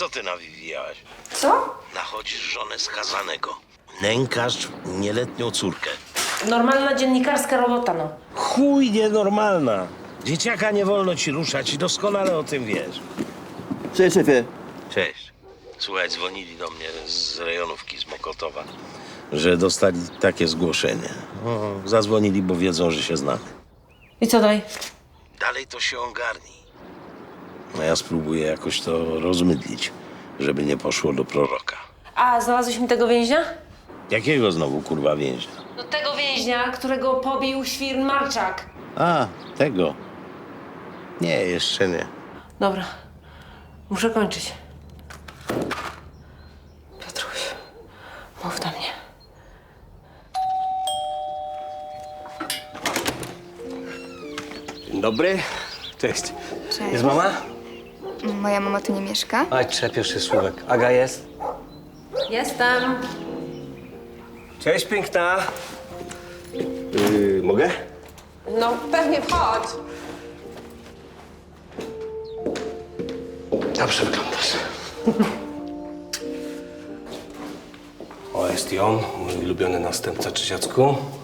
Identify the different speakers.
Speaker 1: Co ty nawijałaś?
Speaker 2: Co?
Speaker 1: Nachodzisz żonę skazanego. Nękasz nieletnią córkę.
Speaker 2: Normalna dziennikarska robota, no.
Speaker 1: Chuj nienormalna. Dzieciaka nie wolno ci ruszać i doskonale o tym wiesz.
Speaker 3: Cześć, szefie.
Speaker 1: Cześć. Słuchaj, dzwonili do mnie z rejonówki, z Mokotowa, że dostali takie zgłoszenie. Zadzwonili, bo wiedzą, że się znamy.
Speaker 2: I co dalej?
Speaker 1: Dalej to się ogarni. No ja spróbuję jakoś to rozmydlić, żeby nie poszło do proroka.
Speaker 2: A, znalazłeś mi tego więźnia?
Speaker 1: Jakiego znowu, kurwa, więźnia?
Speaker 2: No tego więźnia, którego pobił świr Marczak.
Speaker 1: A, tego. Nie, jeszcze nie.
Speaker 2: Dobra, muszę kończyć. Piotruś, mów do mnie.
Speaker 4: Dzień dobry. Cześć.
Speaker 5: Cześć.
Speaker 4: Jest mama?
Speaker 5: Moja mama tu nie mieszka.
Speaker 4: Aj, trzepiesz się słówek. Aga jest?
Speaker 2: Jestem.
Speaker 4: Cześć, piękna. Mogę?
Speaker 2: No, pewnie wchodź.
Speaker 4: Dobrze wyglądasz. O, jest i on, mój ulubiony następca, Czysiacku.